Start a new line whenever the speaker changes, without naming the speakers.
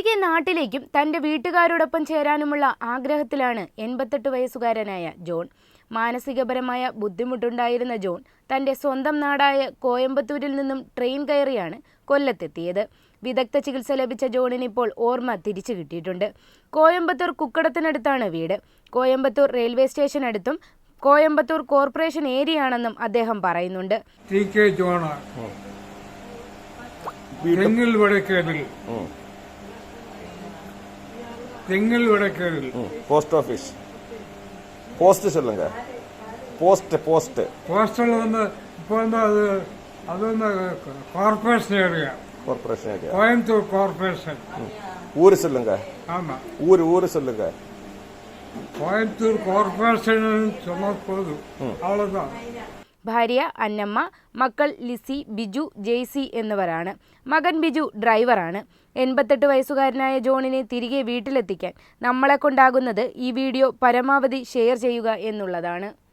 തിരികെ നാട്ടിലേക്കും തൻ്റെ വീട്ടുകാരോടൊപ്പം ചേരാനുമുള്ള ആഗ്രഹത്തിലാണ് 88 വയസ്സുകാരനായ ജോൺ. മാനസികപരമായ ബുദ്ധിമുട്ടുണ്ടായിരുന്ന ജോൺ തൻ്റെ സ്വന്തം നാടായ കോയമ്പത്തൂരിൽ നിന്നും ട്രെയിൻ കയറിയാണ് കൊല്ലത്തെത്തിയത്. വിദഗ്ധ ചികിത്സ ലഭിച്ച ജോണിന് ഇപ്പോൾ ഓർമ്മ തിരിച്ചു കിട്ടിയിട്ടുണ്ട്. കോയമ്പത്തൂർ കുക്കടത്തിനടുത്താണ് വീട്. കോയമ്പത്തൂർ റെയിൽവേ സ്റ്റേഷനടുത്തും കോയമ്പത്തൂർ കോർപ്പറേഷൻ ഏരിയയാണെന്നും അദ്ദേഹം പറയുന്നുണ്ട്.
போஸ்ட் ஆபீஸ் போஸ்ட் சொல்லுங்க. போஸ்ட்
போஸ்டல் வந்து இப்போ வந்து அது வந்து கார்பரேஷன் ஏரியா. கோயம்புத்தூர் கார்பரேஷன்.
ஊரு சொல்லுங்க.
ஆமா,
ஊரு சொல்லுங்க.
கோயம்புத்தூர் கார்பரேஷன் சொன்னா போதும், அவ்வளவுதான்.
ഭാര്യ അന്നമ്മ, മക്കൾ ലിസി, ബിജു, ജെയ്സി എന്നിവരാണ്. മകൻ ബിജു ഡ്രൈവറാണ്. 88 വയസ്സുകാരനായ ജോണിനെ തിരികെ വീട്ടിലെത്തിക്കാൻ നമ്മളെ കൊണ്ടാകുന്നത് ഈ വീഡിയോ പരമാവധി ഷെയർ ചെയ്യുക എന്നുള്ളതാണ്.